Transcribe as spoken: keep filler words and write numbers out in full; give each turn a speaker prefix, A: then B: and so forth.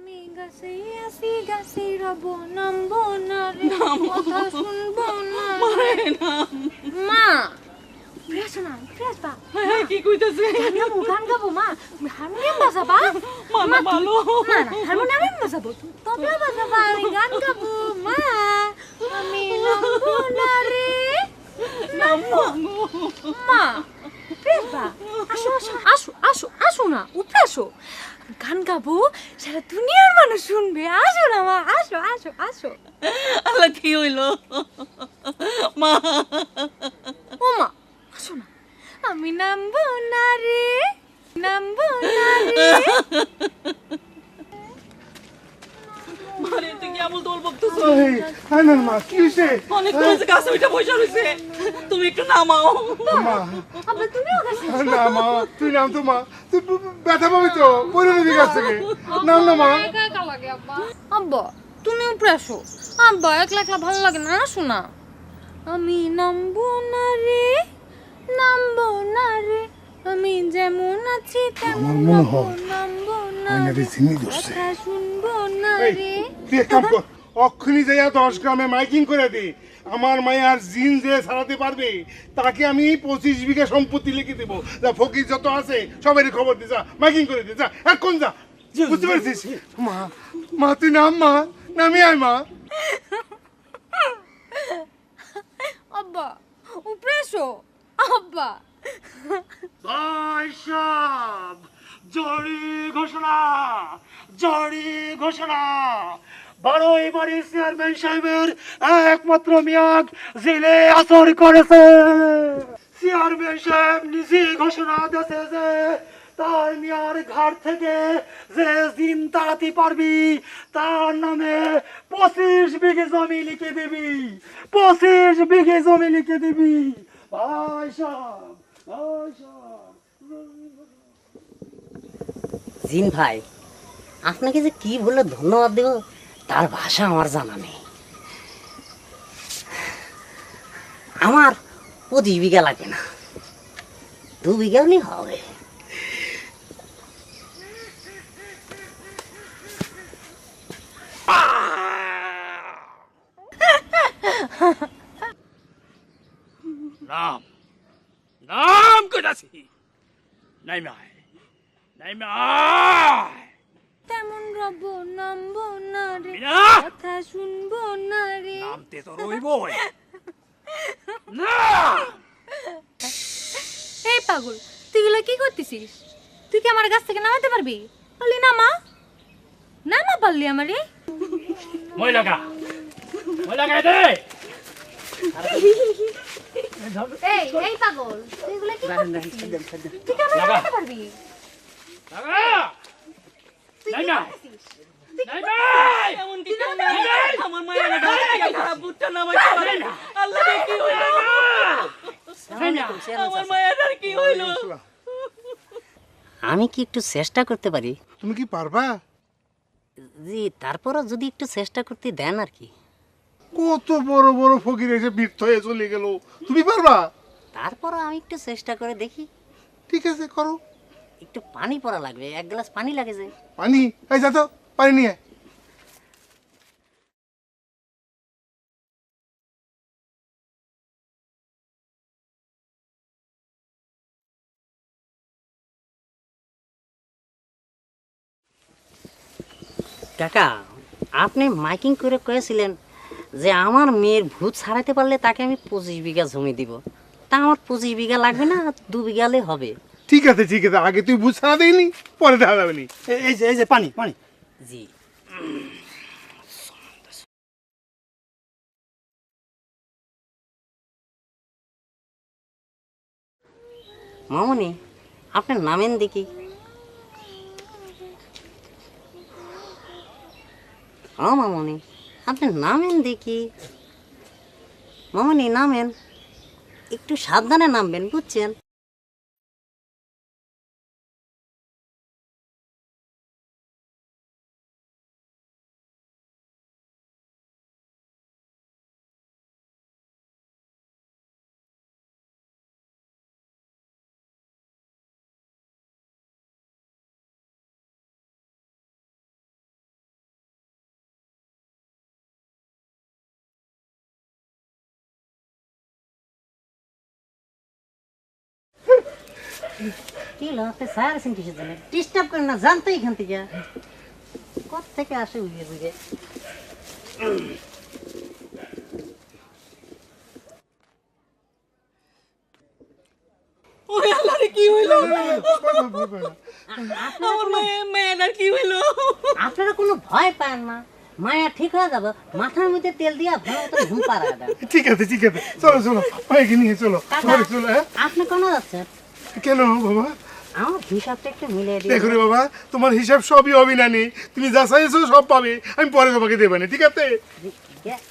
A: আমি গাছে আসি গাছে রব নামবো না রে কথা শুনবো না
B: মারে নাম
A: মা প্রেস না প্রেস বা
B: হ্যাঁ কি কইতাছে
A: গান গাবো গান গাবো মা হারমোনিয়াম বাজাবা
B: মা ভালো
A: না না হারমোনিয়াম বাজাবো তবলা বাজাবা আমি গান গাবো মা আমি নামবো না রে নামবো মা প্রেস বা আসো আসো আসো আসো আসো না উপরে আসো গান গাবো সারা দুনিয়ার মানুষ শুনবে আসো না মা আসো আসো আসো
B: আল্লাহ কি হইলো মা
A: ও মা আসো না আমি নামবো না রে নামবো না রে
B: মারে তুই কি আমল দোল বকতেছ
C: এই হ্যাঁ না মা কি হইছে
B: অনেক কইছে গাছে ওইটা বসে রইছে তুমি একটু নামাও
C: মা
A: আবার তুমিও গেছো
C: না মা তুই নাম তো মা তুই ব্যথা পাবি তো পরে নিবি গাছ থেকে নাম না মা
A: একা একা লাগে আব্বা আব্বা তুমি উপরে আসো আব্বা একলা একলা ভালো লাগে না আসো না আমি নামবো না রে নামবো না রে আমি যেমন আছি তেমন
C: আমার মনে হয়
A: নামবো না
C: আয়নারে ঝিমি ধরছে।
A: কথা শুনবো না
C: এই,
A: রে
C: তুই এক কাম কর অক্ষুনি যাইয়া দশ গ্রামে মাইকিং করে দে আমার মায়ের জিন যে সারাতে পারবে তাকে আমি পঁচিশ বিঘা সম্পত্তি লিখে দেবো যা ফকির যত আছে সবারই খবর দি যা মাইকিং করে দে যা এখন যা বুঝতে পারছিস মা মা তুই নাম মা নামি আয় মা
A: আব্বা উপরে আসো আব্বা
C: সব জরি ঘোষণা জরি ঘোষণা বারোই বাড়ি চেয়ারম্যান সাহেবের একমাত্র মেয়াদ জেলে আসর করেছে চেয়ারম্যান সাহেব নিজে ঘোষণা দিয়েছে যে তার মেয়ার ঘাট থেকে যে দিন তাড়াতে পারবি তার নামে পঁচিশ বিঘে জমি লিখে দিবি পঁচিশ বিঘে জমি লিখে দিবি ভাই সাহেব ভাই সাহেব
D: জিন ভাই আপনাকে যে কি বলে ধন্যবাদ দেব তার ভাষা আমার জানা নেই আমার পঁচিশ বিঘা লাগবে না দু বিঘা হলেই হবে
E: নাম নাম কইতাছি নাই মাই নাই মাই
A: তেমন রব নামবো না রে
E: মিনা
A: কথা শুনবো না রে
E: নামতে তো রইবই না
A: এই পাগল তুই গুলো কি করতেছিস তুই কি আমার গাছ থেকে নামাতে পারবি বললি নামা নামা পারলি আমারে
E: মই লাগা মই লাগাই দে
A: এই এই পাগল তুই গুলো কি করতেছিস তুই কি আমারে
E: লাগা।
A: নামাতে পারবি
E: লাগা
A: তুই
E: নাই
A: কি
E: না।
A: করতেছিস
E: নাই নাই
B: এমন কি কেউ নাই আমার মায়ের না খারাপ বুটটা নামাইতে পারে না আল্লাহ রে কি হইলো আমার মায়ের আর কি হইলো
D: আমি কি একটু চেষ্টা করতে পারি
C: তুমি কি পারবা
D: জি তারপরও যদি একটু চেষ্টা করতে দেন আর কি
C: কত বড় বড় ফকির এসে বৃদ্ধ হয়ে চলে গেল তুমি পারবা
D: তারপরও আমি একটু চেষ্টা করে দেখি
C: ঠিক আছে করো
D: একটু পানি পড়া লাগবে এক গ্লাস পানি লাগে যে
C: পানি এই যা তো পানি নিয়ে আয়।
D: কাকা আপনি মাইকিং করে কয়েছিলেন যে আমার মেয়ের ভূত ছাড়াতে পারলে তাকে আমি পঁচিশ বিঘা জমি দিব তা আমার পঁচিশ বিঘা লাগবে না দু বিঘালে হবে
C: ঠিক আছে ঠিক আছে আগে তুই বুঝ ছাড়া দেয়নি পরে দেখা যাবে নি
E: এই যে এই যে পানি পানি
D: জি মামনি আপনি নামেন দেখি ও মামনি আপনি নামেন দেখি মামনি নামেন একটু সাবধানে নামবেন বুঝছেন কি হলো আপনি স্যার আছেন কিসের জন্য ডিস্টার্ব করেন না জানতো এখান থেকে কোথা থেকে আসে বুঝে বুঝে
B: ওরে আল্লাহ রে কি হইলো
C: আপনারা
B: আমার মায়ের মেয়েটার কি হইলো
D: আপনারা কোনো ভয় পান না মায়া ঠিক হয়ে যাবে মাথার মধ্যে তেল দিয়া ভালো মতো ঘুম পাড়া দেন
C: ঠিক আছে ঠিক আছে চলো চলো মাইকে নিয়ে চলো ঘরে চলো হ্যাঁ
D: আপনি কোনো যাচ্ছেন
C: কেন বাবা
D: আমার হিসাবটা একটু মিলিয়ে
C: দেখো
D: দিন
C: রে বাবা তোমার হিসাব সবই হবে না নি তুমি যা চাইছো সব পাবে আমি পরে তোমাকে দেবে না ঠিক আছে
D: যে-